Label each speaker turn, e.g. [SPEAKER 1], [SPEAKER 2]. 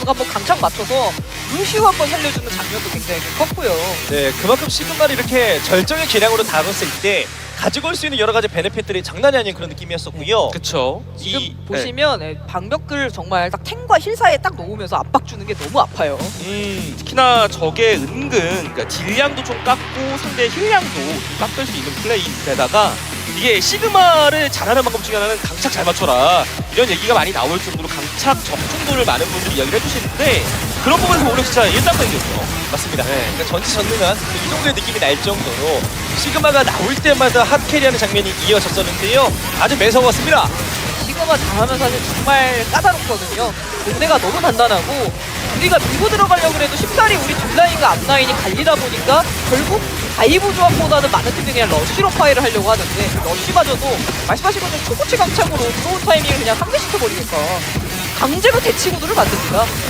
[SPEAKER 1] 선수가 한번 강착 맞춰서 루시우 한번 살려주는 장면도 굉장히 컸고요.
[SPEAKER 2] 네, 그만큼 시그마를 이렇게 절정의 기량으로 다뤘을 때 가지고 올 수 있는 여러 가지 베네핏들이 장난이 아닌 그런 느낌이었었고요.
[SPEAKER 3] 그쵸.
[SPEAKER 1] 지금
[SPEAKER 3] 이-
[SPEAKER 1] 보시면 방벽들 정말 딱 탱과 힐 사이에 딱 놓으면서 압박 주는 게 너무 아파요.
[SPEAKER 3] 특히나 적의 은근 그러니까 딜량도 좀 깎고 상대의 힐량도 좀 깎을 수 있는 플레이인데다가 이게 시그마를 잘하는 방법 중에 하나는 강착 잘 맞춰라 이런 얘기가 많이 나올 정도로 강착 적중도를 많은 분들이 이야기를 해주시는데 그런 부분에서 오히려 진짜 일단락이었죠.
[SPEAKER 2] 맞습니다. 그러니까 전지전능한 이 정도의 느낌이 날 정도로 시그마가 나올 때마다 핫캐리하는 장면이 이어졌었는데요. 아주 매서웠습니다.
[SPEAKER 1] 시그마 잘하면 사실 정말 까다롭거든요. 본대가 너무 단단하고 우리가 밀고 들어가려고 해도 쉽사리 우리 뒷라인과 앞라인이 갈리다 보니까 결국 다이브 조합보다는 많은 팀들이 그냥 러쉬로 파이를 하려고 하는데 그 러쉬마저도 말씀하신 것처럼 초고치 강착으로 들어온 타이밍을 그냥 상대시켜버리니까 강제로 대치 구도를 만듭니다.